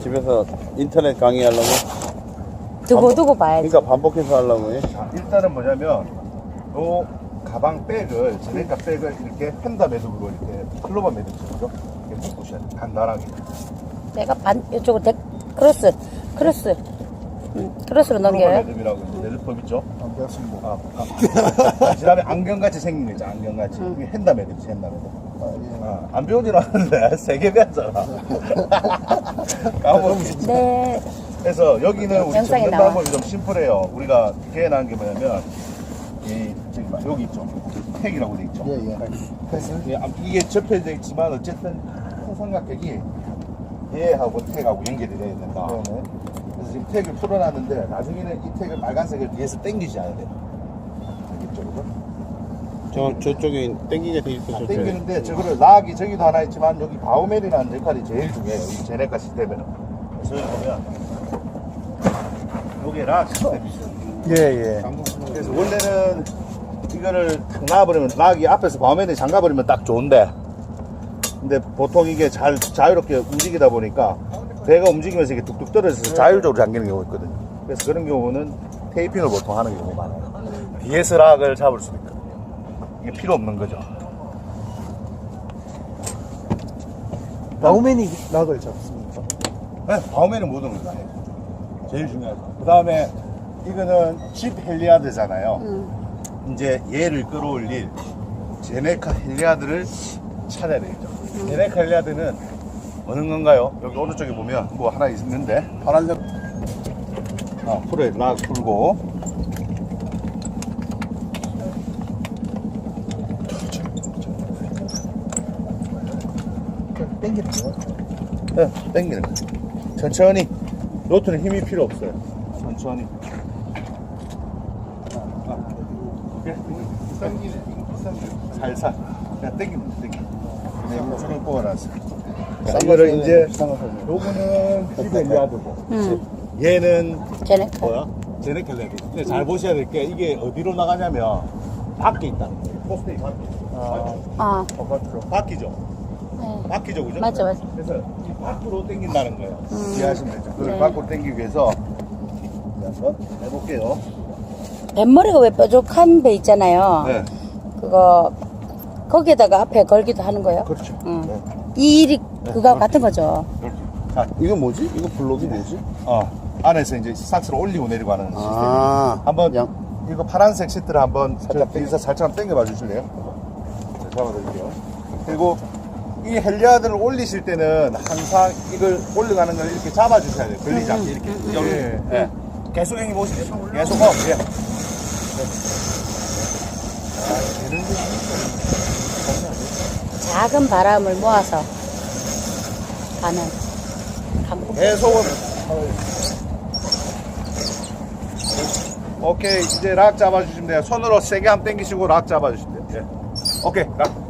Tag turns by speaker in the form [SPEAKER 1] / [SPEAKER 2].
[SPEAKER 1] 집에서 인터넷 강의하려고?
[SPEAKER 2] 두고 봐야지.
[SPEAKER 1] 그러니까 반복해서 하려고 해?
[SPEAKER 3] 자, 일단은 뭐냐면 요 가방 백을 제네카 백을 이렇게 펜다 매듭으로 이렇게 클로버 매듭처럼 이렇게 묶으셔야 돼요. 간단하게.
[SPEAKER 2] 내가 이쪽으로 크로스로
[SPEAKER 3] 클로버
[SPEAKER 2] 넘겨요.
[SPEAKER 3] 매듭이라고 매듭법 있죠?
[SPEAKER 4] 안 배웠습니다.
[SPEAKER 3] 그다음에 안경같이 생긴 거 있죠. 안경같이. 이게 핸다 매듭이지, 핸다 매듭. 안 배우진 않았는데 세 개 배웠잖아. 까먹었지.
[SPEAKER 2] 네.
[SPEAKER 3] 그래서 여기는 우리
[SPEAKER 2] 영상에
[SPEAKER 3] 접는
[SPEAKER 2] 나와.
[SPEAKER 3] 방법이 좀 심플해요. 우리가 개인한 게 뭐냐면 저기 봐, 여기 있죠. 택이라고 돼 있죠.
[SPEAKER 4] 예. 패스.
[SPEAKER 3] 이게 접혀져 있지만 어쨌든 큰 삼각형이 얘하고 택하고 연결이 돼야 된다.
[SPEAKER 4] 네네.
[SPEAKER 3] 그래서 지금 택을 풀어놨는데 나중에는 이 택을 빨간색을 위에서 당기지 않아야 돼요. 이쪽으로.
[SPEAKER 1] 저쪽에 땡기게 돼 있어. 저쪽에.
[SPEAKER 3] 당기는데 저거를 락이 저기도 하나 있지만 여기 바우멜이라는 역할이 제일 중요해요. 이 제네카 시스템에는. 그래서 여기 보면 요게 락 시스템이 있어요.
[SPEAKER 4] 예.
[SPEAKER 3] 그래서 원래는 이거를 탁 놔버리면 락이 앞에서 바우멜이 잠가버리면 딱 좋은데 근데 보통 이게 자유롭게 움직이다 보니까 배가 움직이면서 이게 뚝뚝 떨어져서 자율적으로 잠기는 경우가 있거든요. 그래서 그런 경우는 테이핑을 보통 하는 경우가 많아요. BS 락을 잡을 수 있거든요. 이게 필요 없는 거죠.
[SPEAKER 4] 바우맨이 락을 잡습니까?
[SPEAKER 3] 네, 바우멜은 모든 걸 다 해요. 제일 중요하죠. 그 다음에 이거는 집 헬리아드잖아요. 이제 얘를 끌어올릴 제네카 헬리아드를 찾아야 되겠죠. 제네카 헬리아드는 어느 건가요? 여기 오른쪽에 보면 뭐 하나 있는데 파란색 풀에 락 풀고
[SPEAKER 4] 땡기는 거요?
[SPEAKER 3] 네, 당기는 거죠. 천천히. 로트는 힘이 필요 없어요. 천천히. 살살. 그냥 당기면 돼, 당기면. 줄을 뽑아놨어요. 이거를 이제, 요거는 피벨리아드고, 얘는
[SPEAKER 2] 제네카.
[SPEAKER 3] 뭐야? 제네켈레드. 근데 잘 보셔야 될 게 이게 어디로 나가냐면 밖에 있다는 거예요. 포스테이 밖에.
[SPEAKER 2] 아,
[SPEAKER 3] 바퀴죠.
[SPEAKER 2] 네.
[SPEAKER 3] 바퀴죠, 그죠?
[SPEAKER 2] 맞아.
[SPEAKER 3] 그래서 이 밖으로 당긴다는 거예요. 이해하시면 되죠. 그걸
[SPEAKER 2] 네.
[SPEAKER 3] 밖으로 당기기 위해서 한번 해볼게요.
[SPEAKER 2] 뱃머리가 왜 뾰족한 배 있잖아요.
[SPEAKER 3] 네.
[SPEAKER 2] 그거 거기에다가 앞에 걸기도 하는 거예요.
[SPEAKER 3] 그렇죠.
[SPEAKER 2] 응.
[SPEAKER 3] 네.
[SPEAKER 2] 이 일이 그거 같은 거죠.
[SPEAKER 3] 그렇죠. 자,
[SPEAKER 1] 이거 뭐지? 이거 블록이 뭐지?
[SPEAKER 3] 안에서 이제 삭스를 올리고 내리고 하는 시스템. 한번 이거 파란색 시트를 한번 살짝 뒤에서 살짝 당겨봐 주실래요? 네, 잡아드릴게요. 그리고 이 헬리아드를 올리실 때는 항상 이걸 올려가는 걸 이렇게 잡아주셔야 돼요. 걸리지 않게 이렇게. 여기. 예. 계속 형님 보시죠. 계속. 예.
[SPEAKER 2] 작은 바람을 모아서 가는 강풍.
[SPEAKER 3] 계속. 오케이. 이제 락 잡아주시면 돼요. 손으로 세게 한번 당기시고 락 잡아주시면 돼요. 예. 오케이. 락.